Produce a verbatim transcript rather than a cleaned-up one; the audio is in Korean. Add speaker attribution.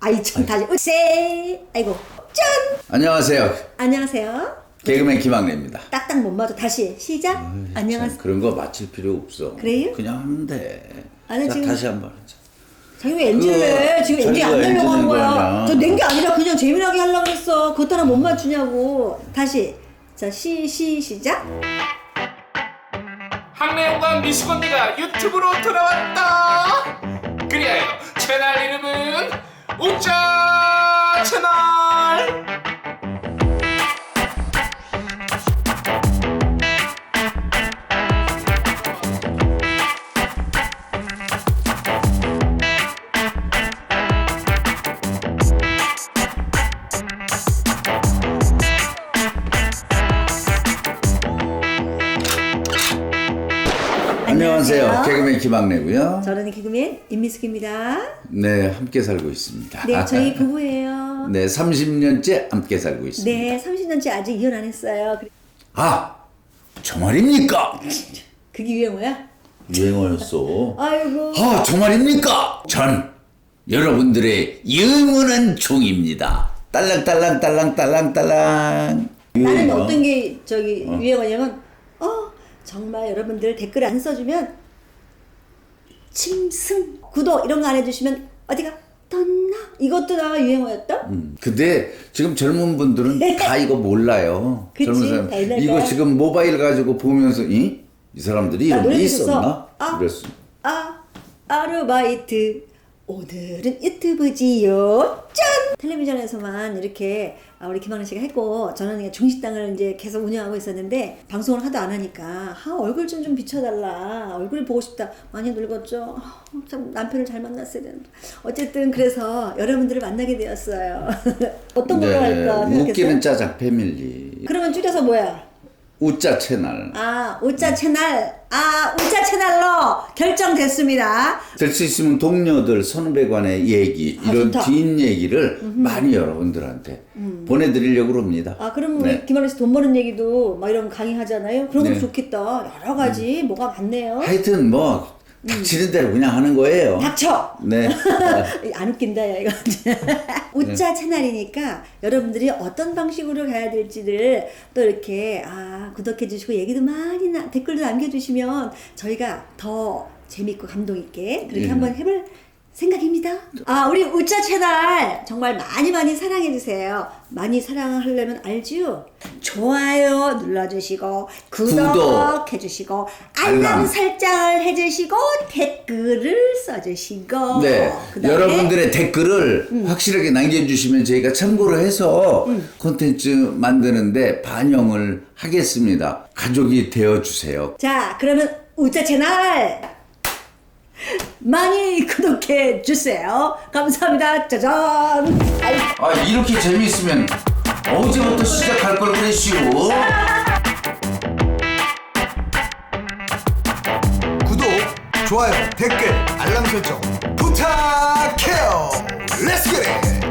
Speaker 1: 아이 참 다시 으세 아이고 짠.
Speaker 2: 안녕하세요.
Speaker 1: 안녕하세요.
Speaker 2: 개그맨 김학래입니다.
Speaker 1: 딱딱 못 맞아. 다시 시작.
Speaker 2: 어이,
Speaker 1: 안녕하세요.
Speaker 2: 참, 그런 거 맞힐 필요 없어.
Speaker 1: 그래요?
Speaker 2: 그냥 하면 돼.
Speaker 1: 아니,
Speaker 2: 자,
Speaker 1: 지금-
Speaker 2: 다시 한번 하자.
Speaker 1: 자기 왜 엔진을 해? 지금 엔진
Speaker 2: 자기가
Speaker 1: 안 내려고
Speaker 2: 엔진
Speaker 1: 하는
Speaker 2: 낸
Speaker 1: 거야.
Speaker 2: 거냐.
Speaker 1: 저 낸 게 아니라 그냥 재미나게 하려고 했어. 그것 하나 못 맞추냐고. 다시. 자, 시, 시, 시작.
Speaker 3: 학래형과 미숙 언니가 유튜브로 돌아왔다. 그리하여 채널 이름은 우짜 채널.
Speaker 2: 안녕하세요.
Speaker 1: 안녕하세요.
Speaker 2: 개그맨 김학래고요.
Speaker 1: 저는 개그맨 임미숙입니다.
Speaker 2: 네, 함께 살고 있습니다.
Speaker 1: 네, 저희 부부예요.
Speaker 2: 네, 삼십 년째 함께 살고 있습니다.
Speaker 1: 네, 삼십 년째 아직 이혼 안 했어요. 그래-
Speaker 2: 아, 저 말입니까?
Speaker 1: 그게 유행어야?
Speaker 2: 유행어였어.
Speaker 1: 아이고.
Speaker 2: 아, 저 말입니까? 전 여러분들의 영원한 종입니다. 딸랑딸랑 딸랑 딸랑 딸랑.
Speaker 1: 나는
Speaker 2: 유행어.
Speaker 1: 어떤 게 저기 유행어냐면 어 정말 여러분들 댓글 안 써주면 침승 구독 이런 거 안 해주시면 어디가 떴나 이것도 나 유행어였다.
Speaker 2: 음, 근데 지금 젊은 분들은 다 이거 몰라요.
Speaker 1: 그치,
Speaker 2: 젊은 사람
Speaker 1: 다 옛날
Speaker 2: 이거
Speaker 1: 거야.
Speaker 2: 지금 모바일 가지고 보면서 이? 이 사람들이
Speaker 1: 나
Speaker 2: 이런 게
Speaker 1: 노래
Speaker 2: 있었나?
Speaker 1: 들었어. 아.
Speaker 2: 이랬어.
Speaker 1: 아 아르바이트 오늘은 유튜브지요 짠 텔레비전에서만 이렇게 아, 우리 김학래 씨가 했고 저는 그냥 중식당을 이제 계속 운영하고 있었는데 방송을 하도 안 하니까 아 얼굴 좀 좀 비춰달라 얼굴이 보고 싶다 많이 늙었죠. 아, 참 남편을 잘 만났어야 되는데 어쨌든 그래서 여러분들을 만나게 되었어요. 어떤 걸로 할까 생각했어요?
Speaker 2: 웃기는 짜장 패밀리.
Speaker 1: 그러면 줄여서 뭐야?
Speaker 2: 우짜 채널.
Speaker 1: 아 우짜 채널 아 우짜 채널로 결정됐습니다.
Speaker 2: 될 수 있으면 동료들 선후배 간의 얘기
Speaker 1: 아,
Speaker 2: 이런
Speaker 1: 좋다.
Speaker 2: 뒷얘기를 많이 여러분들한테 보내드리려고 합니다.
Speaker 1: 아 그럼
Speaker 2: 네.
Speaker 1: 우리 김학래 씨 돈 버는 얘기도 막 이런 강의 하잖아요. 그런 거
Speaker 2: 네.
Speaker 1: 좋겠다. 여러 가지 뭐가 많네요.
Speaker 2: 하여튼 뭐 닥치는 대로 그냥 하는 거예요.
Speaker 1: 닥쳐.
Speaker 2: 네.
Speaker 1: 안 웃긴다 야 이거. 우짜 채널이니까 여러분들이 어떤 방식으로 가야 될지를 또 이렇게 아 구독해 주시고 얘기도 많이 나, 댓글도 남겨주시면 저희가 더 재밌고 감동 있게 그렇게
Speaker 2: 예.
Speaker 1: 한번 해볼 생각입니다. 아 우리 우짜 채널 정말 많이 많이 사랑해 주세요. 많이 사랑하려면 알죠? 좋아요 눌러주시고 구독,
Speaker 2: 구독.
Speaker 1: 해주시고 알람
Speaker 2: 알람.
Speaker 1: 설정을 해주시고 댓글을 써주시고
Speaker 2: 네,
Speaker 1: 그다음에
Speaker 2: 여러분들의 댓글을 확실하게 남겨주시면 저희가 참고를 해서 콘텐츠 만드는데 반영을 하겠습니다. 가족이 되어주세요.
Speaker 1: 자 그러면 우짜 채널 많이 구독해 주세요. 감사합니다. 짜잔. 아이,
Speaker 2: 아, 이렇게 재미있으면 어제부터 시작할 걸 그랬슈.
Speaker 4: 구독, 좋아요, 댓글, 알람 설정 부탁해요. Let's get it!